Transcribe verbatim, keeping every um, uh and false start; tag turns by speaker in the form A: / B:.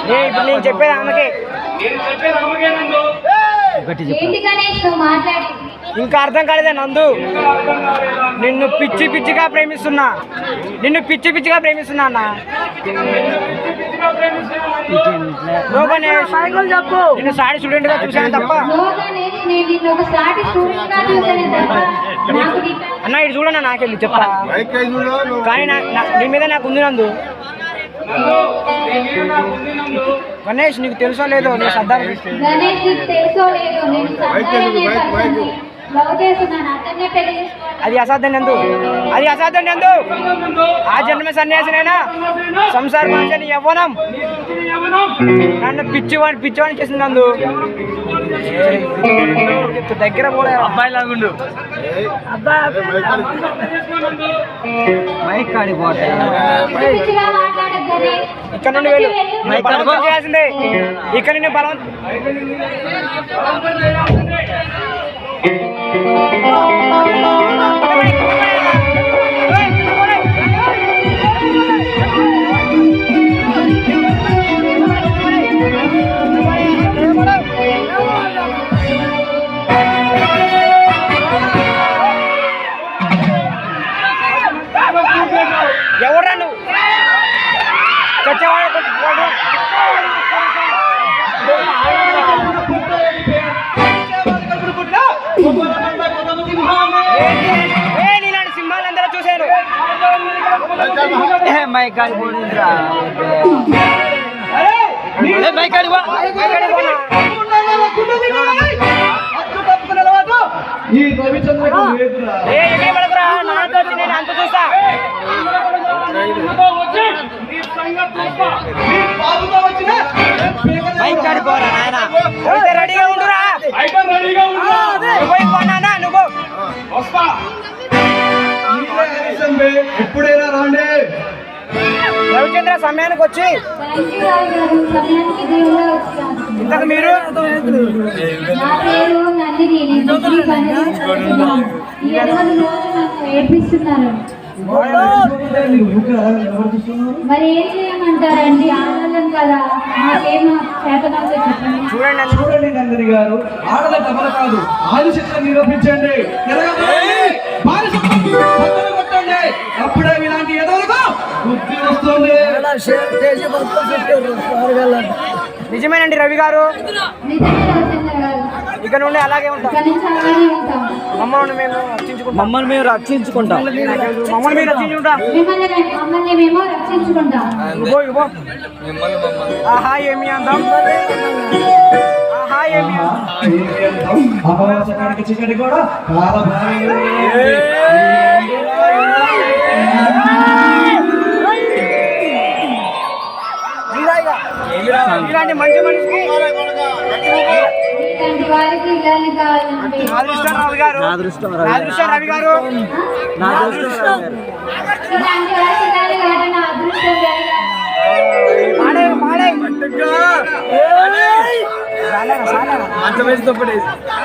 A: ఇప్పుడు నేను చెప్పేది ఆమెకే. ఇంకా అర్థం కాలేదా నందు? నిన్ను పిచ్చి పిచ్చిగా ప్రేమిస్తున్నా, నిన్ను పిచ్చి పిచ్చిగా ప్రేమిస్తున్నా అన్న. నిన్ను సాడి స్టూడెంట్ గా చూసాను తప్ప. అన్న ఇటు చూడన్నా, నాకెళ్ళి చెప్తా. కానీ నీ మీద నాకు ఉంది నందు. గణేష్ నీకు తెలుసో లేదో, నీ సర్దార్ అది అసాధ్యం నందు, అది అసాధ్యం నందు. ఆ జన్మ సన్యాసినైనా సంసార మనిషిని యవ్వనం నన్ను పిచ్చివాడి పిచ్చివాడిని చేసింది నందు. దగ్గర పోలే అబ్బాయి లాగుండు. మైక్ కాడి పోతే ఇక్కడ నుండి వెళ్ళు. బలవంతం చేయాల్సిందే ఇక్కడ నుండి బలవంతం. ఎవరా నువ్వు చచ్చేవాడు? నీలాంటి సింహాలు అందరూ చూశాను. మైక్ కాడి పోయిందిరా, మైక్ కాడి పో. నేను అంత చూస్తా. మైక్ కాడి పోరా నాయన, రెడీగా ఉండురా. నువ్వు
B: ఎప్పుడైనా రాండి.
A: రవిచంద్ర సమయానికి వచ్చి ఇంతకు మీరు
C: మరి ఏం చేయమంటారండి? ఆడవాళ్ళం కదా, మాకేమో
B: చూడండి చూడండి నందిని గారు, ఆడల డబల కాదు, ఆలు చిత్రం నిరూపించండి. కొట్టండి, అప్పుడే ఇలాంటి ఎదవలకు బుద్ధి వస్తుంది.
A: నిజమేనండి రవి గారు, ఇక నుండి అలాగే ఉంటాం. మమ్మల్ని మేము రక్షించుకుంటాం. మమ్మల్ని మేము రక్షించుకుంటాం. మమ్మల్ని మేము రక్షించుకుంటాం. ఆహా ఏమి అందాం, ఆహా ఏమి
B: చికెన్ కూడా
A: ఇలాంటి మంచి మనిషికి రవి గారు, రవి గారు
B: అంత వేసి తప్పడేసి